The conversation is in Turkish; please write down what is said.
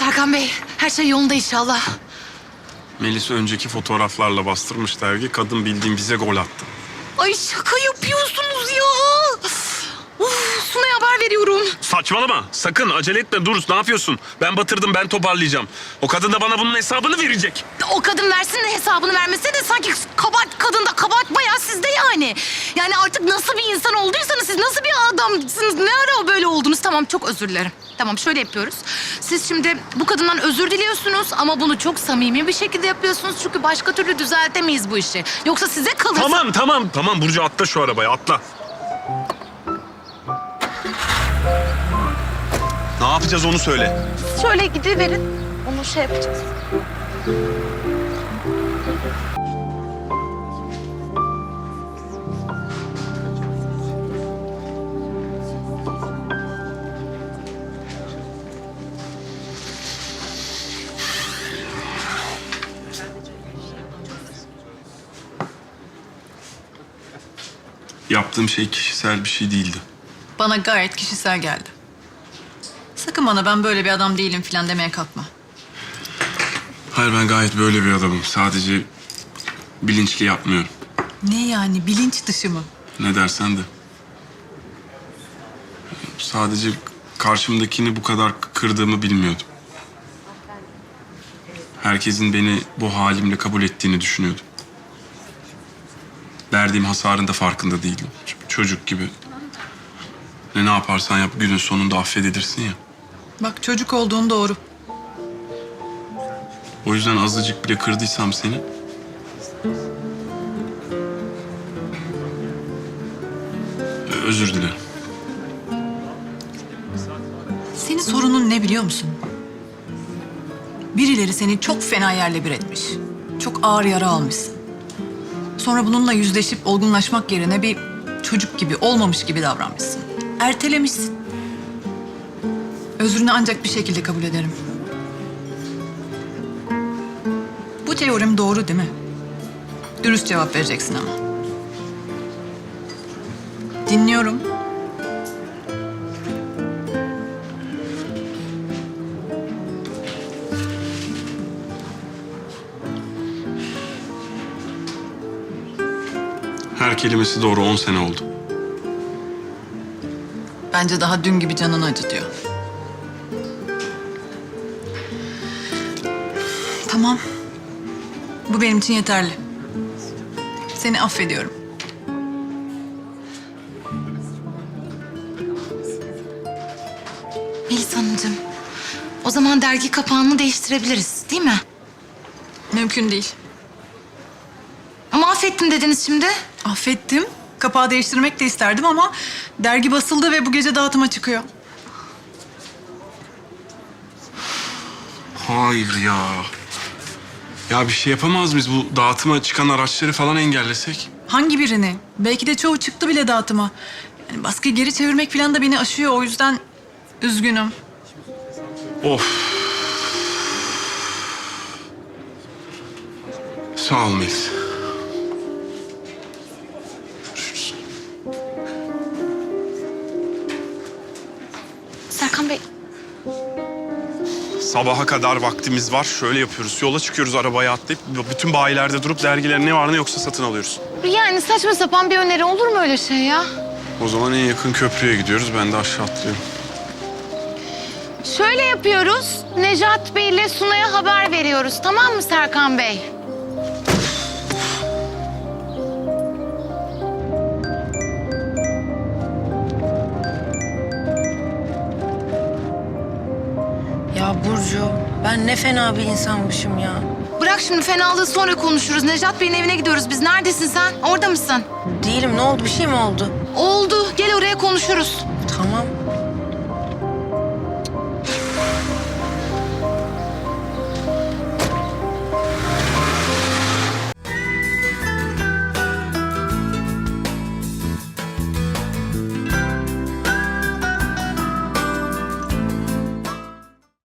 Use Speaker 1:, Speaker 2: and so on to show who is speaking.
Speaker 1: Serkan Bey, her şey yolunda inşallah.
Speaker 2: Melis önceki fotoğraflarla bastırmış dergi. Kadın bildiğin bize gol attı.
Speaker 1: Ay şaka yapıyorsunuz ya. Sunay'a haber veriyorum.
Speaker 2: Saçmalama. Sakın acele etme. Dur, ne yapıyorsun? Ben batırdım, ben toparlayacağım. O kadın da bana bunun hesabını verecek.
Speaker 1: O kadın versin de hesabını vermese de sanki kabahat kadında, kabahat bayağı sizde yani. Yani artık nasıl bir insan olduysanız siz, nasıl bir adamsınız, ne ara böyle oldunuz? Tamam, çok özür dilerim. Tamam, şöyle yapıyoruz. Siz şimdi bu kadından özür diliyorsunuz ama bunu çok samimi bir şekilde yapıyorsunuz. Çünkü başka türlü düzeltemeyiz bu işi. Yoksa size kalırsa...
Speaker 2: Tamam Burcu, atla şu arabaya, atla. Ne yapacağız onu söyle.
Speaker 1: Şöyle gidiverin, onu şey yapacağız.
Speaker 2: Yaptığım şey kişisel bir şey değildi.
Speaker 3: Bana gayet kişisel geldi. Sakın bana ben böyle bir adam değilim falan demeye kalkma.
Speaker 2: Hayır, ben gayet böyle bir adamım. Sadece bilinçli yapmıyorum.
Speaker 3: Ne yani, bilinç dışı mı?
Speaker 2: Ne dersen de. Sadece karşımdakini bu kadar kırdığımı bilmiyordum. Herkesin beni bu halimle kabul ettiğini düşünüyordum. Verdiğim hasarın da farkında değilim. Çocuk gibi. Ne yaparsan yap, günün sonunda affedilirsin ya.
Speaker 3: Bak, çocuk olduğun doğru.
Speaker 2: O yüzden azıcık bile kırdıysam seni... özür dilerim.
Speaker 3: Senin sorunun ne biliyor musun? Birileri seni çok fena yerle bir etmiş. Çok ağır yara almışsın. Sonra bununla yüzleşip olgunlaşmak yerine bir çocuk gibi, olmamış gibi davranmışsın. Ertelemişsin. Özrünü ancak bir şekilde kabul ederim. Bu teorim doğru değil mi? Dürüst cevap vereceksin ama. Dinliyorum.
Speaker 2: Her kelimesi doğru, 10 sene oldu.
Speaker 3: Bence daha dün gibi canını acıtıyor. Tamam. Bu benim için yeterli. Seni affediyorum.
Speaker 1: Melis Hanımcığım, o zaman dergi kapağını değiştirebiliriz, değil mi?
Speaker 3: Mümkün değil.
Speaker 1: Ama affettim dediniz şimdi.
Speaker 3: Affettim. Kapağı değiştirmek de isterdim ama dergi basıldı ve bu gece dağıtıma çıkıyor.
Speaker 2: Hayır ya. Ya bir şey yapamaz mıyız? Bu dağıtıma çıkan araçları falan engellesek?
Speaker 3: Hangi birini? Belki de çoğu çıktı bile dağıtıma. Yani baskıyı geri çevirmek falan da beni aşıyor. O yüzden üzgünüm.
Speaker 2: Of. Sağ ol Melis.
Speaker 1: Serkan Bey,
Speaker 2: Sabaha kadar vaktimiz var. Şöyle yapıyoruz. Yola çıkıyoruz, arabaya atlayıp bütün bayilerde durup dergiler ne var ne yoksa satın alıyoruz.
Speaker 1: yani saçma sapan bir öneri olur mu öyle şey ya?
Speaker 2: O zaman en yakın köprüye gidiyoruz. Ben de aşağı atlıyorum.
Speaker 1: Şöyle yapıyoruz, Necat Bey ile Sunay'a haber veriyoruz, tamam mı Serkan Bey?
Speaker 4: Ya Burcu, ben ne fena bir insanmışım ya.
Speaker 1: Bırak şimdi fenalığı, sonra konuşuruz. Necat Bey'in evine gidiyoruz biz. Neredesin sen? Orada mısın?
Speaker 4: Değilim, ne oldu? Bir şey mi oldu?
Speaker 1: Oldu. Gel oraya konuşuruz.